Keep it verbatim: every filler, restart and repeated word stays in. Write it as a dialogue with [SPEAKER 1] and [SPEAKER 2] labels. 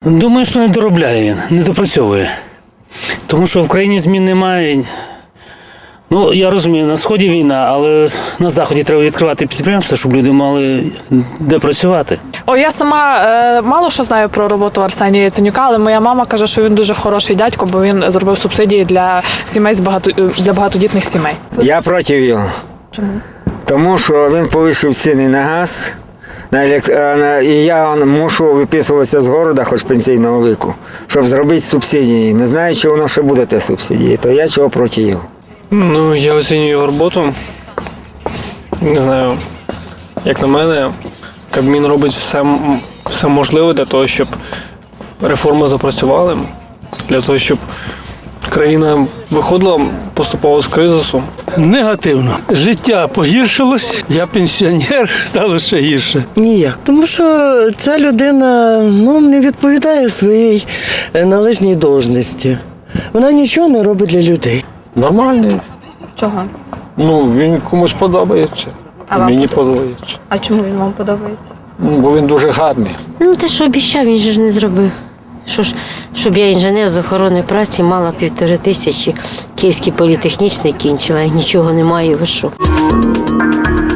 [SPEAKER 1] Думаю, що не доробляє він, не допрацьовує. Тому що в країні змін немає. Ну, я розумію, на Сході війна, але на Заході треба відкривати підприємства, щоб люди мали де працювати.
[SPEAKER 2] О, я сама е, мало що знаю про роботу Арсенія Яценюка, але моя мама каже, що він дуже хороший дядько, бо він зробив субсидії для сімей з багато для багатодітних сімей.
[SPEAKER 3] Я проти його.
[SPEAKER 2] Чому?
[SPEAKER 3] Тому що він повищив ціни на газ, на елект... на... і я мушу виписуватися з города, хоч пенсійного віку, щоб зробити субсидії. Не знаю, чи воно ще буде те субсидії, то я чого проти його.
[SPEAKER 4] Ну, я оцінюю його роботу. Не знаю, як на мене, Кабмін робить все, все можливе для того, щоб реформи запрацювали, для того, щоб країна виходила поступово з кризису.
[SPEAKER 5] Негативно. Життя погіршилось, я пенсіонер, стало ще гірше.
[SPEAKER 6] Ніяк. Тому що ця людина ну, не відповідає своїй належній должності. Вона нічого не робить для людей.
[SPEAKER 7] Нормальний.
[SPEAKER 8] Чого?
[SPEAKER 7] Ну, він комусь подобається.
[SPEAKER 8] А вам
[SPEAKER 7] Мені подобається.
[SPEAKER 8] А чому він вам подобається?
[SPEAKER 7] Ну, бо він дуже гарний.
[SPEAKER 9] Ну, те, що обіцяв, він же ж не зробив. Що ж, щоб я інженер з охорони праці мала півтори тисячі, Київський політехнічний кінчила, і нічого немає, ви що?